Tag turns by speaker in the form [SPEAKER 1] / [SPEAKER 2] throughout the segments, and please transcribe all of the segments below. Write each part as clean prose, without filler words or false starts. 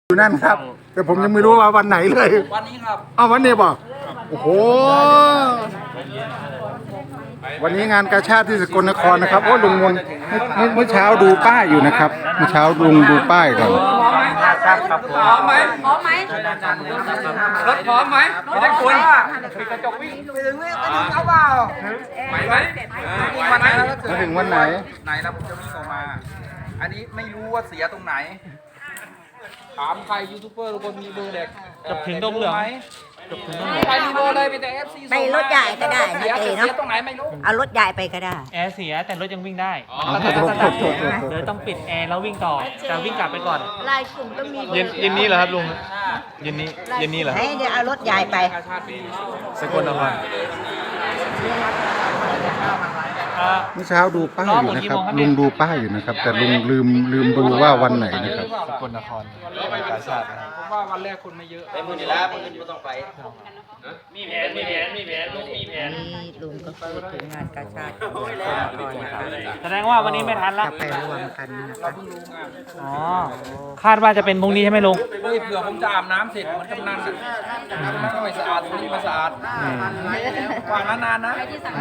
[SPEAKER 1] อยู่นั่นครับแต่ผมยังไม่รู้ว่าวันไหนเลย
[SPEAKER 2] วันนี้ครับ
[SPEAKER 1] อ้าววันนี้ป่ะโอ้โหวันนี้งานกาชาดที่สกลนครนะครับโอ้ลุงมนเมื่อเช้าดูป้ายอยู่นะครับเมื่อเช้าลุงดูป้ายก่อน
[SPEAKER 2] พร้อมไหมพร้อมไหมรถพร้อมไหมไม่ได้คุณปิดกระจกวิ่งไปถึงเอาเปล่าไหวไหมวันไหน
[SPEAKER 1] มาถึงวันไหน
[SPEAKER 2] ไหนแล้วผมจะวิ่งออกมาอันนี้ไม่รู้ว่าเสียตรงไหนถามใครยูทูบเบอร์ทุกคนมีเบอร์เด็ก
[SPEAKER 3] จบถึงดงเหลืองไหม
[SPEAKER 2] ใครมีเบอร์เลยไปแต่ FC
[SPEAKER 4] ไปรถใหญ่ก็ได้นะเจเนาะ
[SPEAKER 2] ตรงไหนไม่รู้
[SPEAKER 4] เอารถใหญ่ไปก็ได้
[SPEAKER 3] แอร์เสียแต่รถยังวิ่งได้
[SPEAKER 1] โทษ
[SPEAKER 3] เลยต้องปิดแอร์แล้ววิ่งต่อแต่วิ่งกลับไปก่อน
[SPEAKER 4] ลายกลุ่มต้องมี
[SPEAKER 3] เย็นนี้เหรอครับลุงเย็นนี้เหรอ
[SPEAKER 4] ให้เดี๋ยวเอารถใหญ่ไป
[SPEAKER 3] สกลนคร
[SPEAKER 1] เมื่อเช้าดูป้ายอยู่นะครับลุงดูป้ายอยู่นะครับแต่ลุงลืมดูว่าวันไหนนะครับ
[SPEAKER 3] สกลนครกาชาดนะครับ
[SPEAKER 2] ผมว่าวันแรกคนไม่เยอะ
[SPEAKER 5] ไปมือนี่ละมือนี่ต้องไป
[SPEAKER 3] มีแผนลุงมีแผน
[SPEAKER 4] ลุงก็คือถึงงานกาชาด
[SPEAKER 3] แสดงว่าวันนี้ไม่ทันละ
[SPEAKER 4] จะไปรวมกันนะครับ
[SPEAKER 3] อ๋อคาดว่าจะเป็นพรุ่งนี้ใช่ไหมลุง
[SPEAKER 2] เฮ้ยเผื่อผมจะอาบน้ำเสร็จเหมือนกำนันก็ไม่สะอาดวันนี้มาสะอาดวางนานๆนะ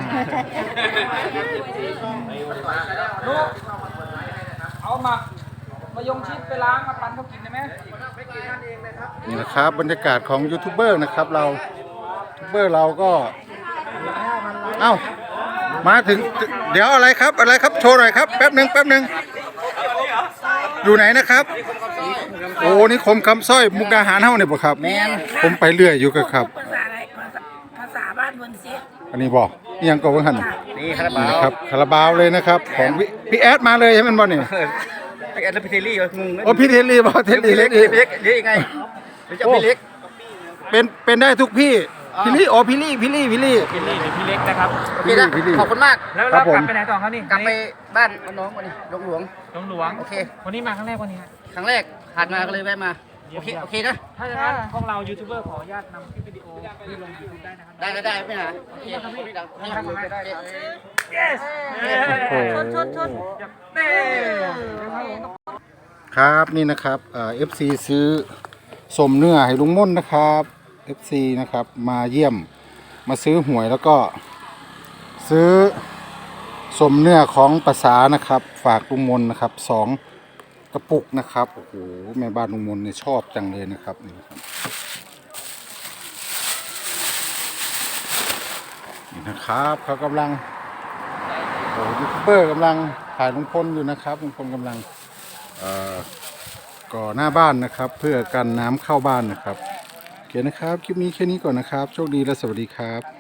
[SPEAKER 2] ลูกเอามายงชิดไปล้างมาปั่นเขากินได้ไหม
[SPEAKER 1] นี่นะครับบรรยากาศของยูทูบเบอร์นะครับเรายูทูบเบอร์เราก็เอ้ามาถึงเดี๋ยวอะไรครับโชว์หน่อยครับแป๊บหนึ่งอยู่ไหนนะครับโอ้นี่คมคำสร้อยมุกดาหารเฮ้าเนี่ยบ่ครับผมไปเรื่อยอยู่กับครับ
[SPEAKER 4] ภาษาบ้านบนเสีย
[SPEAKER 1] อันนี้บอกยังก็ว่าหัน
[SPEAKER 5] นี่คาราบาว
[SPEAKER 1] ครับคาราบาวเลยนะครับของพี่แอดมาเลยใช่ไหมบอลนี่
[SPEAKER 5] พี่แอดและพี่เทลลี่งง
[SPEAKER 1] โอ้พี่เทลลี่บอกเทลลี่เล็ก
[SPEAKER 5] เล็กยังไงจะพี่เล็ก
[SPEAKER 1] เป็นได้ทุกพี่พี่ลี่โอ้พี่ลี่
[SPEAKER 3] หรือพี่เล็กนะครับ
[SPEAKER 5] โอเคนะขอบคุณมาก
[SPEAKER 3] แล้วกลับไปไหนต่อครับนี่
[SPEAKER 5] กลับไปบ้านน้องวันนี้หลวง
[SPEAKER 3] โอเควันนี้มาครั้งแรกวันนี้
[SPEAKER 5] ครั้งแรกผ่านมาก็เลยแวะมาโอเคนะ
[SPEAKER 3] ถ้าอย่างนั้นพวกเรายูทูบเบอร์ขออนุญาตนำคลิปวิดีโอที่ลงยูทูบได้นะครับ
[SPEAKER 5] ได้ไม่หาโอเคให้ทำได้
[SPEAKER 3] yes
[SPEAKER 4] ชน
[SPEAKER 1] ครับนี่นะครับFC ซื้อสมเนื้อให้ลุงม่นนะครับ FC นะครับมาเยี่ยมมาซื้อหวยแล้วก็ซื้อสมเนื้อของภาษานะครับฝากลุงมนนะครับ2 กระปุกนะครับโอ้โหแม่บ้านลุงมนเนี่ยชอบจังเลยนะครับนี่นะครับเขากำลังโอ้ยูทูบเบอร์กำลังถ่ายลุงพลอยู่นะครับลุงพลกำลังก่อหน้าบ้านนะครับเพื่อกันน้ำเข้าบ้านนะครับโอเคนะครับคลิปนี้แค่นี้ก่อนนะครับโชคดีและสวัสดีครับ